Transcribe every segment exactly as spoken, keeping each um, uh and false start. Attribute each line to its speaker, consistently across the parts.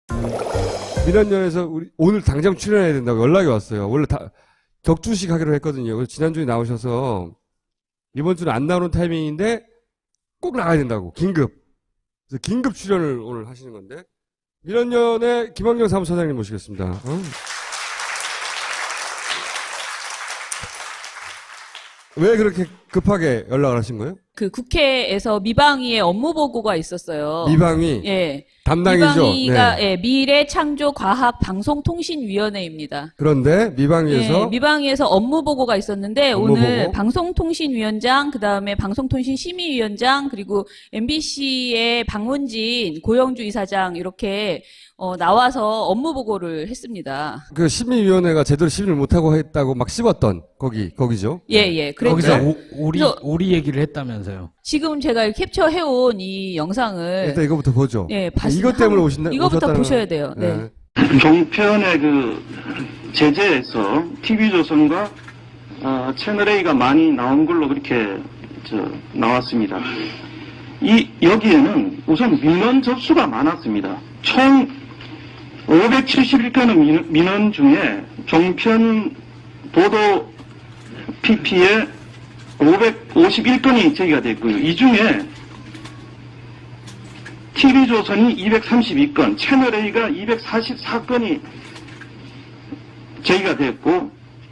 Speaker 1: 민원연에서 우리 오늘 당장 출연해야 된다고 연락이 왔어요. 원래 다 격주식 하기로 했거든요. 그래서 지난주에 나오셔서 이번 주는 안 나오는 타이밍인데 꼭 나가야 된다고. 긴급. 그래서 긴급 출연을 오늘 하시는 건데. 민원연의 김환경 사무처장님 모시겠습니다. 어? 왜 그렇게 급하게 연락을 하신 거예요?
Speaker 2: 그 국회에서 미방위의 업무 보고가 있었어요.
Speaker 1: 미방위?
Speaker 2: 예.
Speaker 1: 담당이죠?
Speaker 2: 미방위가,
Speaker 1: 네.
Speaker 2: 예, 미래창조과학방송통신위원회입니다.
Speaker 1: 그런데 미방위에서?
Speaker 2: 예, 미방위에서 업무 보고가 있었는데
Speaker 1: 업무
Speaker 2: 오늘
Speaker 1: 보고?
Speaker 2: 방송통신위원장, 그 다음에 방송통신심의위원장, 그리고 엠비씨의 박문진 고영주 이사장 이렇게 어, 나와서 업무 보고를 했습니다.
Speaker 1: 그 심의위원회가 제대로 심의를 못하고 했다고 막 씹었던 거기, 거기죠?
Speaker 2: 예, 예. 그랬죠.
Speaker 3: 거기서 오, 오리,
Speaker 2: 그래서
Speaker 3: 오리 얘기를 했다면서요.
Speaker 2: 지금 제가 캡처해온 이 영상을.
Speaker 1: 일단 이거부터 보죠.
Speaker 2: 예, 봤습니다.
Speaker 1: 이것 때문에 오신다,
Speaker 2: 이거부터
Speaker 1: 오셨다는
Speaker 2: 보셔야 돼요. 네.
Speaker 1: 네.
Speaker 4: 종편의 그 제재에서 티비조선과 어, 채널A가 많이 나온 걸로 그렇게 저, 나왔습니다. 이, 여기에는 우선 민원 접수가 많았습니다. 총 오백칠십일 건의 민원, 민원 중에 종편 보도 피피에 오백오십일 건이 제기가 됐고요. 이 중에 티비조선이 이백삼십이 건, 채널A가 이백사십사 건이 제기가 됐고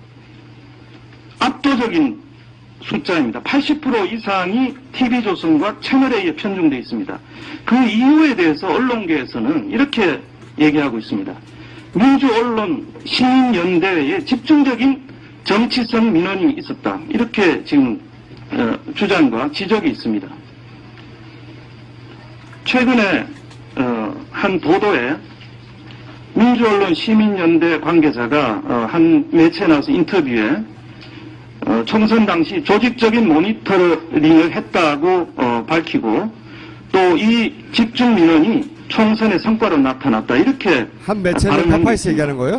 Speaker 4: 압도적인 숫자입니다. 팔십 퍼센트 이상이 티비조선과 채널A에 편중되어 있습니다. 그 이유에 대해서 언론계에서는 이렇게 얘기하고 있습니다. 민주언론 시민연대회에 집중적인 정치성 민원이 있었다. 이렇게 지금 어, 주장과 지적이 있습니다. 최근에 어, 한 보도에 민주언론 시민연대 관계자가 어, 한 매체에 나와서 인터뷰에 어, 총선 당시 조직적인 모니터링을 했다고 어, 밝히고 또 이 집중 민원이 총선의 성과로 나타났다. 이렇게
Speaker 1: 한 매체는 파파이스 얘기하는 거예요?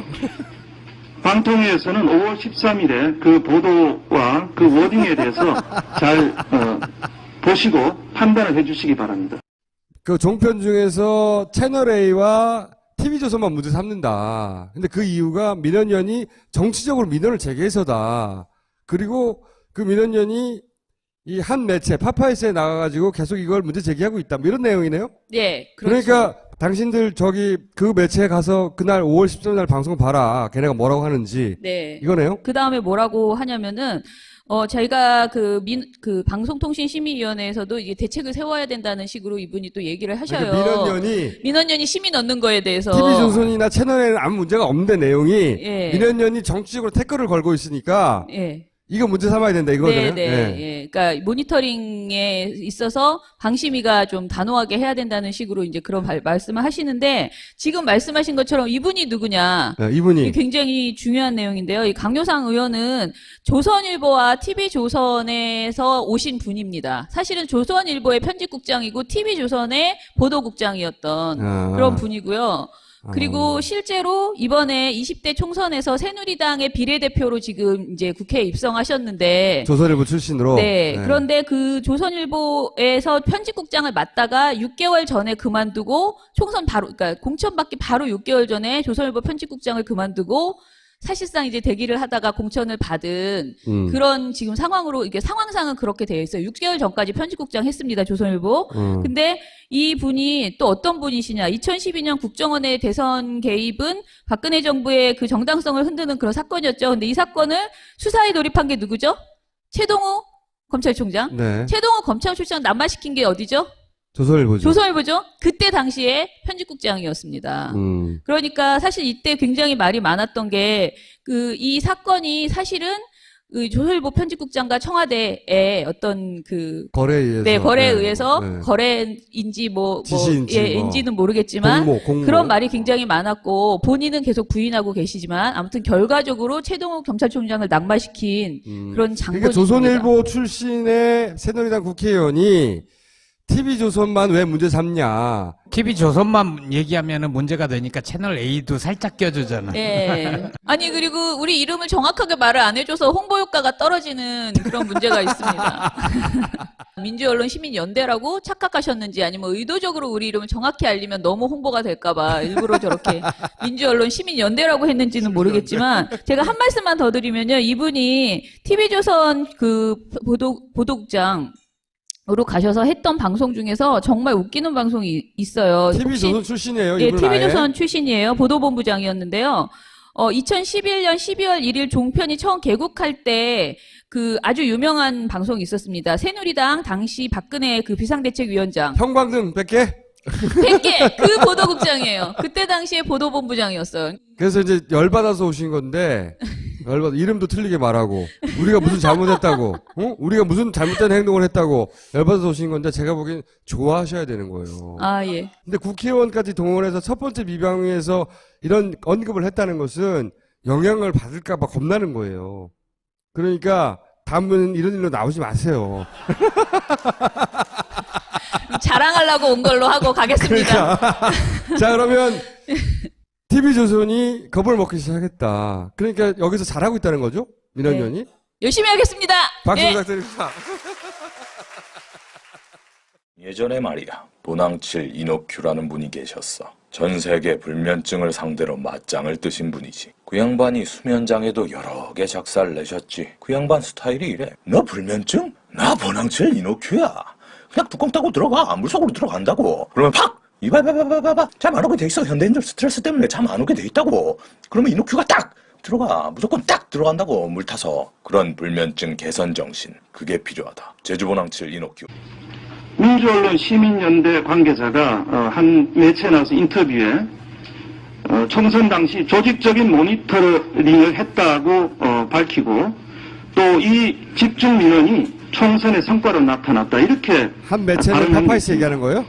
Speaker 4: 방통위에서는 오월 십삼일에 그 보도와 그 워딩에 대해서 잘 어, 보시고 판단을 해주시기 바랍니다.
Speaker 1: 그 종편 중에서 채널A와 티비조선만 문제 삼는다. 근데 그 이유가 민원연이 정치적으로 민원을 제기해서다. 그리고 그 민원연이 이 한 매체 파파이스에 나가가지고 계속 이걸 문제 제기하고 있다. 뭐 이런 내용이네요?
Speaker 2: 예, 그렇죠.
Speaker 1: 그러니까 당신들 저기 그 매체에 가서 그날 오월 십삼일 날 방송 봐라. 걔네가 뭐라고 하는지.
Speaker 2: 네.
Speaker 1: 이거네요?
Speaker 2: 그 다음에 뭐라고 하냐면은, 어, 저희가 그 민, 그 방송통신심의위원회에서도 이게 대책을 세워야 된다는 식으로 이분이 또 얘기를 하셔요.
Speaker 1: 그러니까 민원연이
Speaker 2: 민원연이 심의 넣는 거에 대해서.
Speaker 1: 티비조선이나 채널에는 아무 문제가 없는데 내용이
Speaker 2: 예.
Speaker 1: 민원연이 정치적으로 태클을 걸고 있으니까
Speaker 2: 예.
Speaker 1: 이거 문제 삼아야 된다 이거잖아요.
Speaker 2: 네, 네, 예. 그러니까 모니터링에 있어서 방심위가 좀 단호하게 해야 된다는 식으로 이제 그런 발, 말씀을 하시는데 지금 말씀하신 것처럼 이분이 누구냐?
Speaker 1: 네, 이분이
Speaker 2: 이게 굉장히 중요한 내용인데요. 이 강효상 의원은 조선일보와 티비조선에서 오신 분입니다. 사실은 조선일보의 편집국장이고 티비조선의 보도국장이었던
Speaker 1: 아.
Speaker 2: 그런 분이고요. 그리고
Speaker 1: 아.
Speaker 2: 실제로 이번에 이십 대 총선에서 새누리당의 비례대표로 지금 이제 국회에 입성하셨는데
Speaker 1: 조선일보 출신으로.
Speaker 2: 네, 그런데 그 조선일보에서 편집국장을 맡다가 육 개월 전에 그만두고 총선 바로 그러니까 공천 받기 바로 육 개월 전에 조선일보 편집국장을 그만두고 사실상 이제 대기를 하다가 공천을 받은
Speaker 1: 음.
Speaker 2: 그런 지금 상황으로 이게 상황상은 그렇게 되어 있어요. 육 개월 전까지 편집국장 했습니다. 조선일보.
Speaker 1: 음.
Speaker 2: 근데 이 분이 또 어떤 분이시냐. 이천십이 년 국정원의 대선 개입은 박근혜 정부의 그 정당성을 흔드는 그런 사건이었죠. 근데 이 사건을 수사에 돌입한 게 누구죠? 최동호 검찰총장.
Speaker 1: 네.
Speaker 2: 최동호 검찰총장 남발시킨 게 어디죠?
Speaker 1: 조선일보죠.
Speaker 2: 조선일보죠. 그때 당시에 편집국장이었습니다.
Speaker 1: 음.
Speaker 2: 그러니까 사실 이때 굉장히 말이 많았던 게 그 이 사건이 사실은 그 조선일보 편집국장과 청와대의 어떤 그
Speaker 1: 거래에 의해서.
Speaker 2: 네, 거래에
Speaker 1: 네.
Speaker 2: 의해서
Speaker 1: 네.
Speaker 2: 거래인지 뭐, 뭐
Speaker 1: 지시인지
Speaker 2: 예,
Speaker 1: 뭐.
Speaker 2: 인지는 모르겠지만
Speaker 1: 공모, 공모.
Speaker 2: 그런 말이 굉장히 많았고 본인은 계속 부인하고 계시지만 아무튼 결과적으로 최동욱 검찰총장을 낙마시킨
Speaker 1: 음.
Speaker 2: 그런 장본입니다.
Speaker 1: 그러니까 조선일보 출신의 새누리당 국회의원이 티비조선만 왜 문제 삼냐.
Speaker 3: 티비조선만 얘기하면 문제가 되니까 채널A도 살짝 껴주잖아.
Speaker 2: 예. 아니 그리고 우리 이름을 정확하게 말을 안 해줘서 홍보 효과가 떨어지는 그런 문제가 있습니다. 민주언론 시민연대라고 착각하셨는지 아니면 의도적으로 우리 이름을 정확히 알리면 너무 홍보가 될까봐 일부러 저렇게 민주언론 시민연대라고 했는지는 모르겠지만 제가 한 말씀만 더 드리면요. 이분이 티비조선 그 보도, 보도국장 으로 가셔서 했던 방송 중에서 정말 웃기는 방송이 있어요.
Speaker 1: 티비조선 출신이에요.
Speaker 2: 예,
Speaker 1: 이분은 아예?
Speaker 2: 티비조선 출신이에요. 보도본부장이었는데요. 어, 이천십일 년 십이월 일일 종편이 처음 개국할 때 그 아주 유명한 방송이 있었습니다. 새누리당 당시 박근혜 그 비상대책위원장.
Speaker 1: 형광등 백 개?
Speaker 2: 백 개! 그 보도국장이에요. 그때 당시에 보도본부장이었어요.
Speaker 1: 그래서 이제 열받아서 오신 건데, 열받아, 이름도 틀리게 말하고, 우리가 무슨 잘못했다고, 어? 우리가 무슨 잘못된 행동을 했다고, 열받아서 오신 건데, 제가 보기엔 좋아하셔야 되는 거예요.
Speaker 2: 아, 예.
Speaker 1: 근데 국회의원까지 동원해서 첫 번째 비방위에서 이런 언급을 했다는 것은 영향을 받을까봐 겁나는 거예요. 그러니까, 다음은 이런 일로 나오지 마세요.
Speaker 2: 자랑하려고 온 걸로 하고 가겠습니다.
Speaker 1: 그러니까. 자, 그러면, 티비조선이 겁을 먹기 시작했다. 그러니까 여기서 잘하고 있다는 거죠? 민원연이?
Speaker 2: 네. 열심히 하겠습니다.
Speaker 1: 박수
Speaker 2: 네.
Speaker 1: 부탁드립니다.
Speaker 5: 예전에 말이야, 도낭칠 이노큐라는 분이 계셨어. 전 세계 불면증을 상대로 맞짱을 뜨신 분이지. 그 양반이 수면장애도 여러 개 작사를 내셨지. 그 양반 스타일이 이래. 너 불면증? 나 도낭칠 이노큐야. 그냥 뚜껑 따고 들어가. 물속으로 들어간다고. 그러면 팍! 이봐봐봐봐봐. 잠 안 오게 돼 있어. 현대인들 스트레스 때문에 잠 안 오게 돼 있다고. 그러면 이노큐가 딱! 들어가. 무조건 딱 들어간다고. 물 타서. 그런 불면증 개선 정신. 그게 필요하다. 제주보낭칠 이노큐.
Speaker 4: 민주언론 시민연대 관계자가 어, 한 매체에 나와서 인터뷰에 어, 총선 당시 조직적인 모니터링을 했다고 어, 밝히고 또 이 집중 민원이 총선의 성과로 나타났다 이렇게
Speaker 1: 한 매체는
Speaker 4: 발언한
Speaker 1: 파파이스
Speaker 4: 게
Speaker 1: 얘기하는 거예요?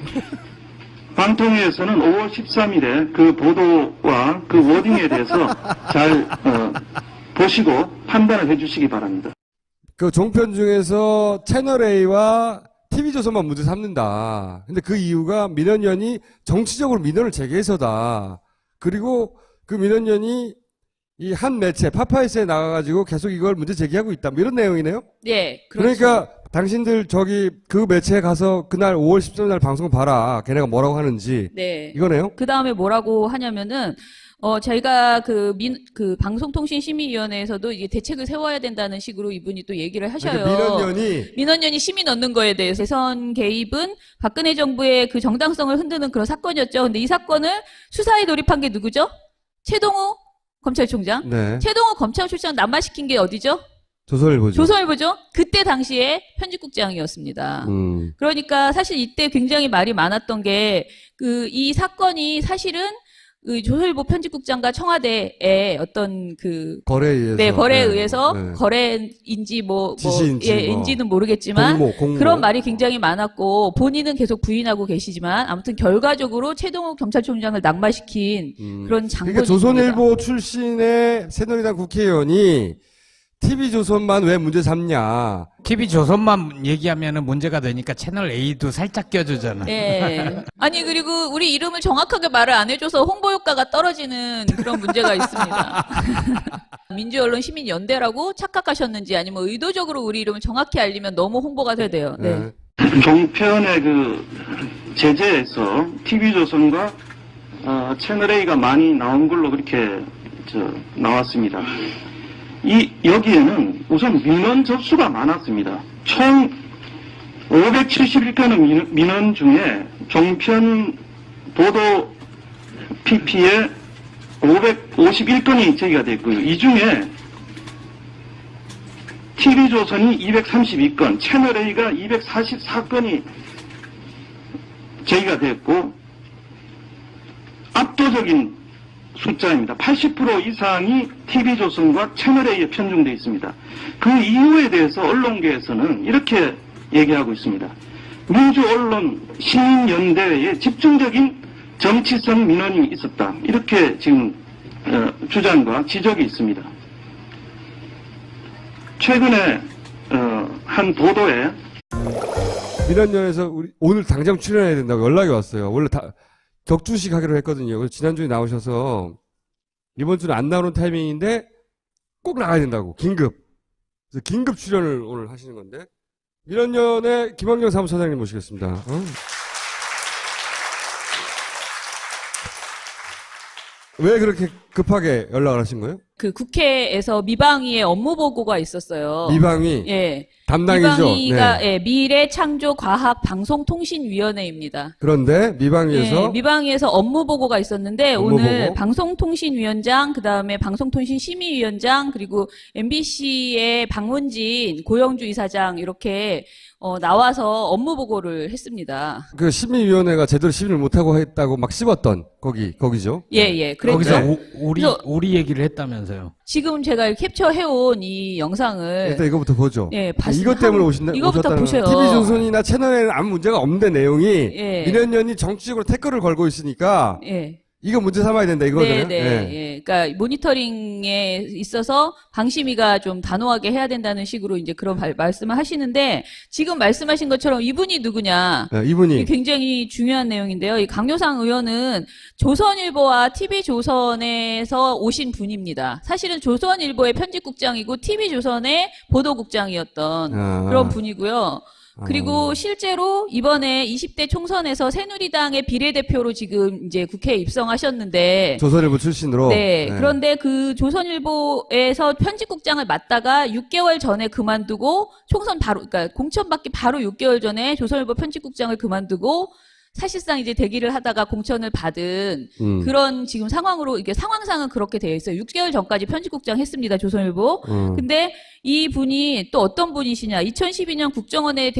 Speaker 4: 방통위에서는 오월 십삼일에 그 보도와 그 워딩에 대해서 잘 어, 보시고 판단을 해주시기 바랍니다.
Speaker 1: 그 종편 중에서 채널A와 티비조선만 문제 삼는다. 근데 그 이유가 민원연이 정치적으로 민원을 제기해서다. 그리고 그 민원연이 이 한 매체 파파이스에 나가가지고 계속 이걸 문제 제기하고 있다. 뭐 이런 내용이네요.
Speaker 2: 네. 그렇죠.
Speaker 1: 그러니까 당신들 저기 그 매체에 가서 그날 오월 십삼일 날 방송 봐라. 걔네가 뭐라고 하는지.
Speaker 2: 네.
Speaker 1: 이거네요.
Speaker 2: 그 다음에 뭐라고 하냐면은, 어, 저희가 그 민, 그 방송통신심의위원회에서도 이게 대책을 세워야 된다는 식으로 이분이 또 얘기를 하셔요.
Speaker 1: 그러니까 민원연이
Speaker 2: 민원연이 시민 얻는 거에 대해서 대선 개입은 박근혜 정부의 그 정당성을 흔드는 그런 사건이었죠. 근데 이 사건을 수사에 돌입한 게 누구죠? 최동호 검찰총장.
Speaker 1: 네.
Speaker 2: 최동호 검찰총장 난마시킨 게 어디죠?
Speaker 1: 조선일보죠.
Speaker 2: 조선일보죠. 그때 당시에 편집국장이었습니다.
Speaker 1: 음.
Speaker 2: 그러니까 사실 이때 굉장히 말이 많았던 게 그 이 사건이 사실은 그 조선일보 편집국장과 청와대의 어떤 그
Speaker 1: 거래에 의해서.
Speaker 2: 네, 거래에
Speaker 1: 네.
Speaker 2: 의해서
Speaker 1: 네.
Speaker 2: 거래인지 뭐, 뭐,
Speaker 1: 지시인지
Speaker 2: 예,
Speaker 1: 뭐.
Speaker 2: 인지는 모르겠지만
Speaker 1: 공모, 공모.
Speaker 2: 그런 말이 굉장히 많았고 본인은 계속 부인하고 계시지만 아무튼 결과적으로 최동욱 경찰총장을 낙마시킨
Speaker 1: 음.
Speaker 2: 그런 장본입니다.
Speaker 1: 그러니까 조선일보 출신의 새누리당 국회의원이 티비조선만 왜 문제 삼냐.
Speaker 3: 티비조선만 얘기하면 문제가 되니까 채널 A도 살짝 껴주잖아.
Speaker 2: 예. 아니 그리고 우리 이름을 정확하게 말을 안 해줘서 홍보 효과가 떨어지는 그런 문제가 있습니다. 민주언론 시민연대라고 착각하셨는지 아니면 의도적으로 우리 이름을 정확히 알리면 너무 홍보가 돼야. 네.
Speaker 1: 네.
Speaker 4: 종편의 그 제재에서 티비조선과 어, 채널A가 많이 나온 걸로 그렇게 저, 나왔습니다. 이 여기에는 우선 민원 접수가 많았습니다. 총 오백칠십일 건의 민원, 민원 중에 종편 보도 피피에 오백오십일 건이 제기가 됐고요. 이 중에 티비조선이 이백삼십이 건, 채널A가 이백사십사 건이 제기가 됐고 압도적인 숫자입니다. 팔십 퍼센트 이상이 티비조선과 채널A에 편중되어 있습니다. 그 이유에 대해서 언론계에서는 이렇게 얘기하고 있습니다. 민주언론 시민연대에 집중적인 정치성 민원이 있었다. 이렇게 지금 어, 주장과 지적이 있습니다. 최근에 어, 한 보도에
Speaker 1: 민원연에서 우리 오늘 당장 출연해야 된다고 연락이 왔어요. 원래 다 격주식 하기로 했거든요. 그래서 지난주에 나오셔서 이번 주는 안 나오는 타이밍인데 꼭 나가야 된다고. 긴급. 그래서 긴급 출연을 오늘 하시는 건데 민원연의 김학영 사무처장님 모시겠습니다. 어? 왜 그렇게 급하게 연락을 하신 거예요?
Speaker 2: 그 국회에서 미방위의 업무 보고가 있었어요.
Speaker 1: 미방위
Speaker 2: 예.
Speaker 1: 담당이죠.
Speaker 2: 미방위가
Speaker 1: 네.
Speaker 2: 예, 미래창조과학방송통신위원회입니다.
Speaker 1: 그런데 미방위에서
Speaker 2: 예, 미방위에서 업무 보고가 있었는데
Speaker 1: 업무
Speaker 2: 오늘
Speaker 1: 보고?
Speaker 2: 방송통신위원장, 그다음에 방송통신심의위원장, 그리고 엠비씨의 박문진 고영주 이사장 이렇게 어, 나와서 업무 보고를 했습니다.
Speaker 1: 그 심의위원회가 제대로 심의를 못하고 했다고 막 씹었던 거기 거기죠.
Speaker 2: 예, 예. 그랬죠.
Speaker 3: 거기서 오, 오리
Speaker 2: 그래서-
Speaker 3: 오리 얘기를 했다면서요.
Speaker 2: 지금 제가 캡처해온 이 영상을
Speaker 1: 일단 이거부터 보죠.
Speaker 2: 예, 봤습니다.
Speaker 1: 이것 때문에 오신다.
Speaker 2: 이거부터
Speaker 1: 오셨다는
Speaker 2: 보셔요.
Speaker 1: 티비조선이나 채널에는 아무 문제가 없는데 내용이
Speaker 2: 예.
Speaker 1: 민원연이 정치적으로 태클을 걸고 있으니까
Speaker 2: 예.
Speaker 1: 이거 문제 삼아야 된다
Speaker 2: 네,
Speaker 1: 이거잖아요.
Speaker 2: 네, 예. 그러니까 모니터링에 있어서 방심위가 좀 단호하게 해야 된다는 식으로 이제 그런 발- 말씀을 하시는데 지금 말씀하신 것처럼 이분이 누구냐?
Speaker 1: 네, 이분이
Speaker 2: 이게 굉장히 중요한 내용인데요. 이 강효상 의원은 조선일보와 티비조선에서 오신 분입니다. 사실은 조선일보의 편집국장이고 티비조선의 보도국장이었던
Speaker 1: 아.
Speaker 2: 그런 분이고요. 그리고
Speaker 1: 어.
Speaker 2: 실제로 이번에 이십 대 총선에서 새누리당의 비례대표로 지금 이제 국회에 입성하셨는데
Speaker 1: 조선일보 출신으로.
Speaker 2: 네, 그런데 그 조선일보에서 편집국장을 맡다가 육 개월 전에 그만두고 총선 바로, 그러니까 공천 받기 바로 육 개월 전에 조선일보 편집국장을 그만두고 사실상 이제 대기를 하다가 공천을 받은
Speaker 1: 음.
Speaker 2: 그런 지금 상황으로, 이게 상황상은 그렇게 되어 있어요. 육 개월 전까지 편집국장 했습니다, 조선일보.
Speaker 1: 음.
Speaker 2: 근데 이 분이 또 어떤 분이시냐. 이천십이 년 국정원에